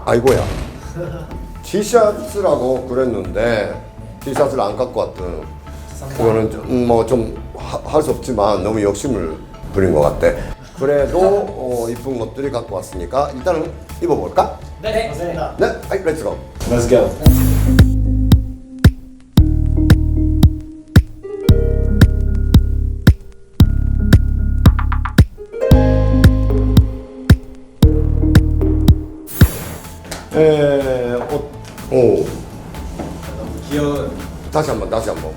아이고야. 티셔츠라고 그랬는데 티셔츠를 안 갖고 왔던 그거는 뭐 좀 할 수 없지만 너무 욕심을 부린 것 같아. 그래도 이쁜 것들이 갖고 왔으니까 일단은 입어볼까? 네, 맞습니다. 네, 아이, 렛츠고. Let's go. 옷. 오. 너무 귀여운. 다시 한번.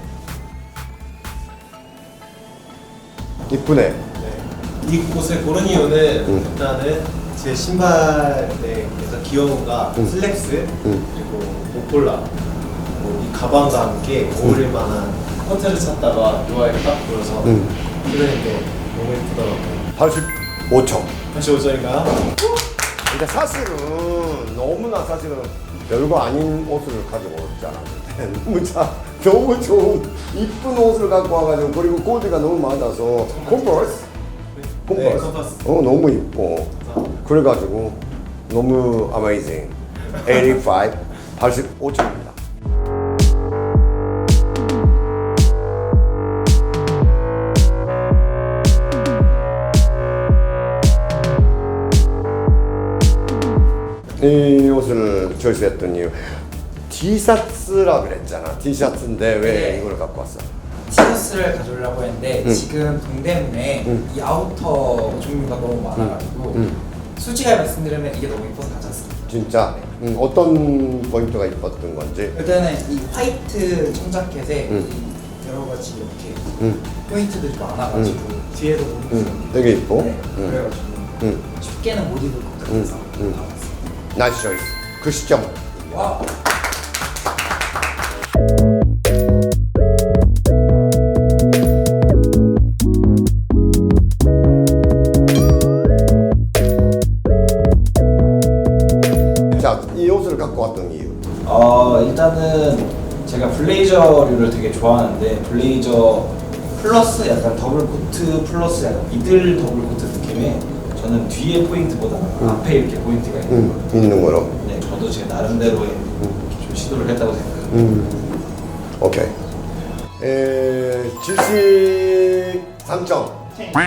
이쁘네. 네. 이 옷을 고른 이유는 일단은 제 신발에서 귀여움과 슬랙스 그리고 목폴라 이 가방과 함께 어울릴 만한 컨셉을 찾다가 이 아이를 딱 보여서 그랬는데 너무 예쁘더라고요. 85점. 85점인가요? 근데 사실은 너무나 사실은 별거 아닌 옷을 가지고 오지 않았는데 너무 좋은 이쁜 옷을 갖고 와가지고 그리고 코디가 너무 많아서 콤버스? 네, 컴퍼스. 너무 이뻐. 그래가지고 너무 어메이징. 85점입니다. 이 옷을 choice했던 이유 티셔츠라 그랬잖아. 티셔츠인데 왜 네. 이걸 갖고 왔어? 티셔츠를 가져오려고 했는데 지금 동대문에 이 아우터 종류가 너무 많아가지고 솔직하게 말씀드리면 이게 너무 예뻐서 가져왔습니다. 진짜 어떤 포인트가 이뻤던 건지. 일단은 이 화이트 청자켓에 이 여러 가지 이렇게 포인트들이 많아가지고 뒤에도 너무 되게 이뻐. 네, 그래가지고 쉽게는 못 입을 것 같아서 나왔습니다. 나이스 초이스. 그 시점. 와. 자, 이 옷을 갖고 왔던 이유. 일단은 제가 블레이저류를 되게 좋아하는데 블레이저 플러스 약간 더블 코트 플러스 약간 미들 더블 코트 느낌에 저는 뒤에 포인트보다 앞에 이렇게 포인트가 있는 거. 있는 거로. 네, 저도 제 나름대로의 좀 시도를 했다고 생각합니다. 오케이. 73점.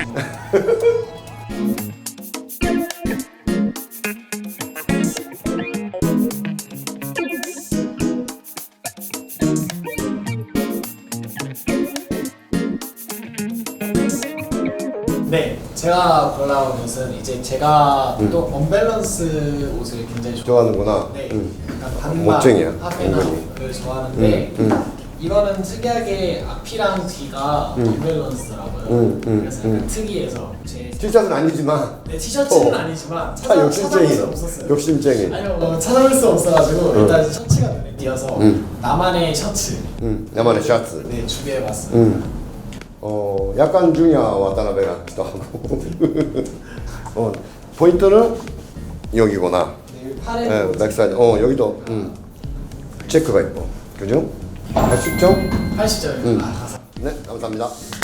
네, 제가 골라온 옷은 이제 제가 또 언밸런스 옷을 굉장히 좋아하는구나. 네, 응. 약간 반반 멋쟁이야, 하페나를 은근히. 좋아하는데 이거는 특이하게 앞이랑 뒤가 언밸런스더라고요. 그래서 약간 특이해서 제 티셔츠는 아니지만. 네, 티셔츠는 어. 아니지만 다 욕심쟁이. 찾아볼 수 없었어요. 욕심쟁이. 아니요, 찾아볼 수 없어가지고 일단 셔츠가 눈에 띄어서 나만의 셔츠 나만의 셔츠. 네 준비해봤어요. 약간 중이야 와타나베 같기도 하고. 포인트는 여기구나. 네, 팔에 네, 백사이드. 여기도 체크가 있고. 그죠? 80점? 80점입니다. 아, 감사합니다. 네, 감사합니다.